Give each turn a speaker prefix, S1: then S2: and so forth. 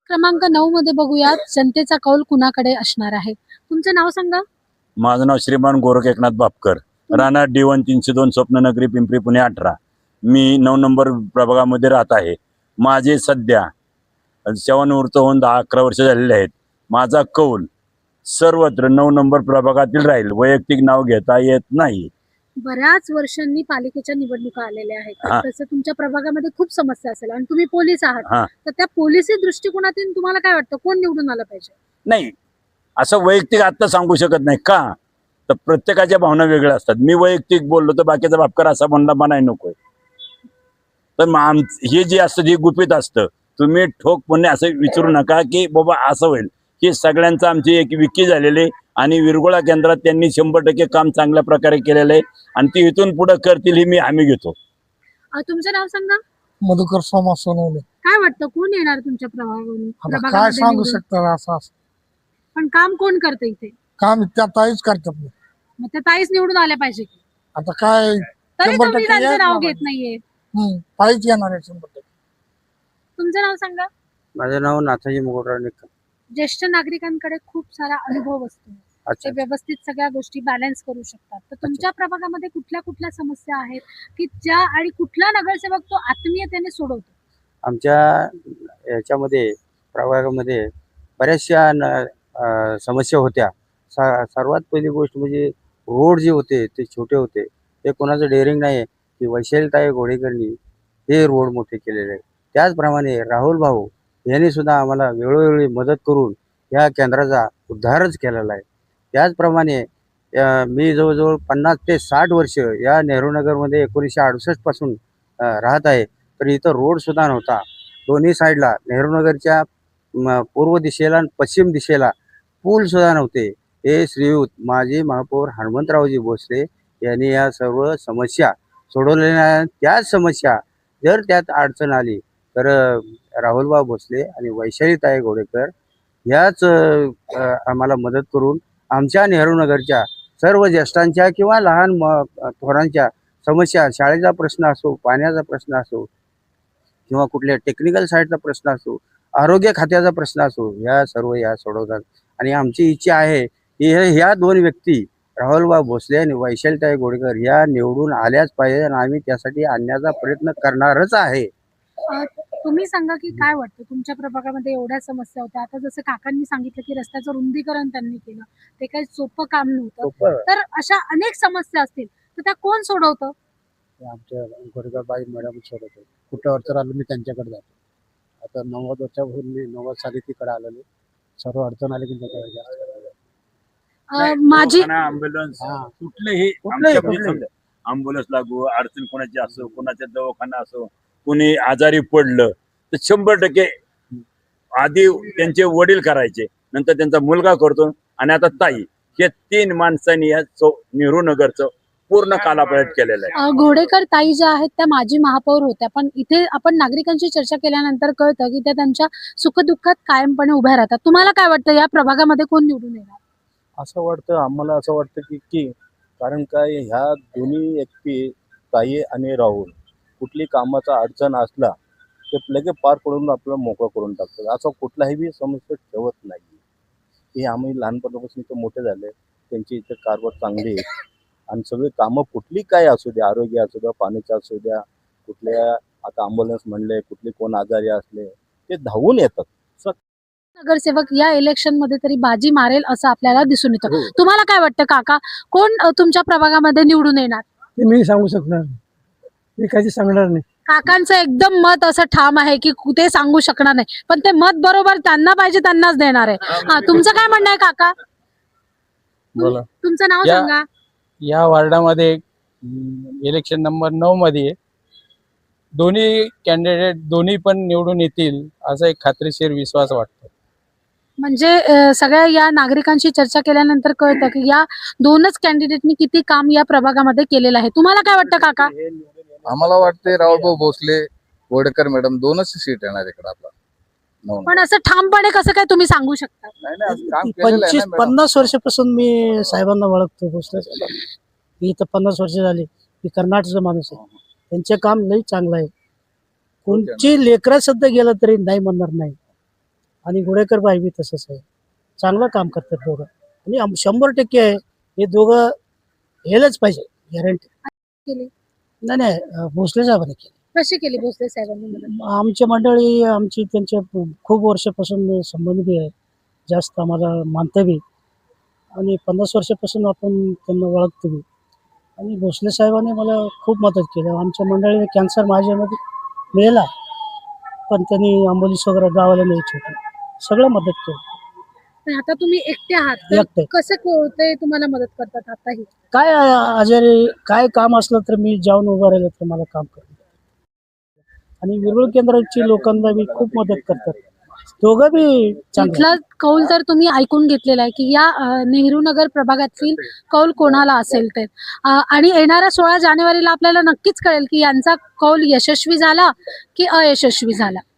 S1: क्रमांक 9 मध्ये बघूयात जनतेचा कौल कुणाकडे असणार आहे. तुमचं नाव सांगा.
S2: माझं नाव श्रीमान गोरख एकनाथ बापकर, राणा D1 302 स्वप्ननगरी पिंपरी पुणे 18. मी 9 नंबर प्रभागामध्ये राहत आहे. माझे सध्या सेवानिवृत्त होऊन 10-11 वर्ष झालेले आहेत. माझा कौल सर्वत्र 9 नंबर प्रभागातील राहील. वैयक्तिक नाव घेता येत नाही.
S1: बऱ्याच वर्षांनी पालिकेच्या निवडणुका आलेल्या आहेत.
S2: हा.
S1: तसं तुमच्या प्रभागामध्ये खूप समस्या असेल आणि तुम्ही पोलीस आहात.
S2: हा.
S1: तर त्या पोलिसी दृष्टिकोनातून तुम्हाला काय वाटतं, कोण निवडून आलं पाहिजे?
S2: नाही, असं वैयक्तिक आता सांगू शकत नाही. का तर प्रत्येकाच्या भावना वेगळ्या असतात. मी वैयक्तिक बोललो तर बाकीचा बापकर असा म्हणला म्हणाय नकोय. तर हे जे असतं हे गुपित असतं. तुम्ही ठोकपणे असं विचारू नका की बाबा असं होईल. हे सगळ्यांचं आमची एक विकी झालेली आणि विरगोळा केंद्रात त्यांनी 100% काम चांगल्या प्रकारे केलेलं आहे आणि ती इथून पुढे करतील ही मी हमी घेतो.
S1: तुमचं नाव सांगा.
S3: मधुकर सोमा सोनवणे.
S1: काय वाटतं, कोण येणार तुमच्या
S3: आता काय
S1: प्रभागामध्ये
S3: सांगू
S1: निवडून?
S3: शकता असं
S1: पण काम कोण करतं इथे?
S3: काम त्या ताईच करतात.
S1: मग त्या ताईच निवडून आल्या पाहिजे की?
S3: आता काय
S1: तरी
S3: 100%
S1: तुम्ही त्यांचं
S3: येत
S1: नाव
S3: नाही.
S1: घेत नाहीये.
S3: ताईच येणार आहे 100%.
S1: तुमचं नाव सांगा.
S4: माझं नाव नाथाजी मुकुटराव निकम.
S1: ज्येष्ठ नागरिकांकडे खूप सारा अनुभव असतो. ते
S4: अच्छा.
S1: व्यवस्थित सगळ्या गोष्टी बॅलन्स करू शकतात. तर तुमच्या प्रभागामध्ये कुठल्या कुठल्या समस्या आहेत की ज्या आणि कुठला नगरसेवक तो आत्मीयतेने सोडवतो?
S4: आमच्या याच्यामध्ये प्रभागामध्ये बऱ्याचशा समस्या होत्या. सर्वात पहिली गोष्ट म्हणजे रोड जे होते ते छोटे होते. ते कोणाचं डेअरिंग नाही की वैशालीताई घोडेकरनी हे रोड मोठे केलेले आहे. त्याचप्रमाणे राहुल भाऊ यांनी सुद्धा आम्हाला वेळोवेळी मदत करून या केंद्राचा उद्धारच केलेला आहे. त्याचप्रमाणे मी जवळजवळ 50 ते 60 वर्ष या नेहरूनगरमध्ये 1968 पासून राहत आहे. तर इथं रोड सुद्धा नव्हता. दोन्ही साईडला नेहरूनगरच्या पूर्व दिशेला आणि पश्चिम दिशेला पूल सुद्धा नव्हते. हे श्रीयुत माजी महापौर हनुमंतरावजी भोसले यांनी या सर्व समस्या सोडवलेल्या. त्याच समस्या जर त्यात अडचण आली तर राहुलभाऊ भोसले आणि वैशालीताई घोडेकर याच आम्हाला मदत करून आमच्या नेहरूनगरच्या सर्व ज्येष्ठांच्या किंवा लहान थोरांच्या समस्या, शाळेचा प्रश्न असो, पाण्याचा प्रश्न असो किंवा कुठल्या टेक्निकल साईडचा प्रश्न असो, आरोग्य खात्याचा प्रश्न असो, या सर्व या सोडवतात. आणि आमची इच्छा आहे की ह्या दोन व्यक्ती राहुलभाऊ भोसले आणि वैशालीताई घोडेकर या निवडून आल्याच पाहिजे आणि आम्ही त्यासाठी आणण्याचा प्रयत्न करणारच आहे.
S1: तुम्ही सांगा की काय वाटतं, तुमच्या प्रभागामध्ये एवढ्या समस्या होत्या. आता जसं काकांनी सांगितलं की रस्त्याचं रुंदीकरण त्यांनी केलं, ते काही सोपं काम नव्हतं. तर अशा अनेक समस्या असतील तर त्या कोण सोडवतं?
S5: आमच्या गोरेगावबाई मॅडम सोडवतो. कुठं अडचण आलं मी त्यांच्याकडे जातो. आता 90 वर्षापासून मी 90 साली तिकडे आलेलो. सर्व अडचण आली की त्याच्याकडे जास्त.
S1: माझी
S2: अँब्युलन्स कुठलेही अँब्युलन्स लागू, अडचण कोणाची असो, कोणाच्या दवाखाना असो, कोणी आजारी पडलं तर 100% आधी त्यांचे वडील करायचे, नंतर त्यांचा मुलगा करतो आणि आता ताई. हे 3 माणसांनी या नेहरूनगरचं पूर्ण कालापलट केलेलं आहे.
S1: घोडेकर ताई ज्या आहेत त्या माजी महापौर होत्या, पण इथे आपण नागरिकांची चर्चा केल्यानंतर कळतं की त्या त्यांच्या सुखदुःखात कायमपणे उभ्या राहतात. तुम्हाला काय वाटतं, या प्रभागामध्ये कोण निवडून येणार?
S5: असं वाटतं आम्हाला, असं वाटतं की कारण काय ह्या दोन्ही व्यक्ती ताई आणि राहुल कुठली कामाचा अडचण असला ते लगेच पार पडून आपल्याला मोकळं करून टाकतात. असं कुठलाही बी समस्या ठेवत नाही. हे आम्ही लहानपणापासून इथं मोठे झाले. त्यांची इथे कारभार चांगली आहे आणि सगळी कामं कुठली काय असू द्या, आरोग्य असू द्या, पाण्याचं असू द्या, कुठल्या आता अँब्युलन्स म्हणले, कुठले कोण आजारी असले ते धावून येतात.
S1: नगरसेवक या इलेक्शन मध्ये तरी बाजी मारेल असं आपल्याला दिसून येतं. तुम्हाला काय वाटतं काका, कोण तुमच्या प्रभागामध्ये निवडून येणार?
S3: ते मी सांगू शकणार नाही. मी काही सांगणार नाही.
S1: काकांचं एकदम मत असं ठाम आहे की ते सांगू शकणार नाही, पण ते मत बरोबर त्यांना पाहिजे त्यांनाच देणार आहे. तुमचं काय म्हणणं आहे काका?
S6: बोला.
S1: तुमचं नाव
S6: या-
S1: सांगा.
S6: या वार्डामध्ये इलेक्शन नंबर 9 मध्ये दोन्ही कॅन्डिडेट दोन्ही पण निवडून येतील असा एक खात्रीशीर विश्वास वाटतो.
S1: म्हणजे सगळ्या या नागरिकांशी चर्चा केल्यानंतर कळतं की या दोनच कॅन्डिडेटनी किती काम या प्रभागामध्ये केलेलं आहे. तुम्हाला काय वाटतं काका?
S7: आम्हाला वाटते राहुलभाऊ भोसले, घोडेकर मॅडम दोनच सीट येणार इकडे आपला.
S1: पण असं ठामपणे कसं काय तुम्ही सांगू शकता?
S7: नाही नाही, असं काम केलेलं आहे ना मॅडम.
S3: 50 वर्षापासून मी साहेबांना ओळखतो. भोसले मी इथं 50 वर्ष झाली. मी कर्नाटकचा माणूस आहे. त्यांचे काम लई चांगलं आहे. कोणची लेकरा सुद्धा गेलं तरी नाही म्हणणार नाही. आणि गोडेकर बाई बी तसंच आहे. चांगलं काम करतात दोघं आणि 100% आहे हे दोघं हेलच पाहिजे गॅरंटी.
S1: केली
S3: नाही नाही भोसले साहेबांनी केलं.
S1: कशी केली भोसले साहेबांनी मदत?
S3: आमची मंडळी आमची त्यांच्या खूप वर्षापासून संबंध बी आहे, जास्त आम्हाला मानतं बी आणि 50 वर्षापासून आपण त्यांना ओळखतो बी. आणि भोसले साहेबांनी मला खूप मदत केली. आमच्या मंडळीने कॅन्सर माझ्यामध्ये मिळाला, पण त्यांनी आंबोलीस वगैरे गावाला न्यायची होती, सगळं मदत केली.
S1: पण आता तुम्ही एकटे आहात तर
S3: एकटे.
S1: कसं ते तुम्हाला मदत करतात आताही?
S3: काय आजारी काय काम असलं तर मी जाऊन उभं राहिलं तर मला काम करतात. आणि विरळ केंद्राची लोकांना बी खूप मदत करतात, दोघं बी चांगले.
S1: इथला कौल तर तुम्ही ऐकून घेतलेला आहे की या नेहरू नगर प्रभागातील कौल कोणाला असेल ते आणि येणाऱ्या 16 जानेवारीला आपल्याला नक्कीच कळेल की यांचा कौल यशस्वी झाला की अयशस्वी झाला.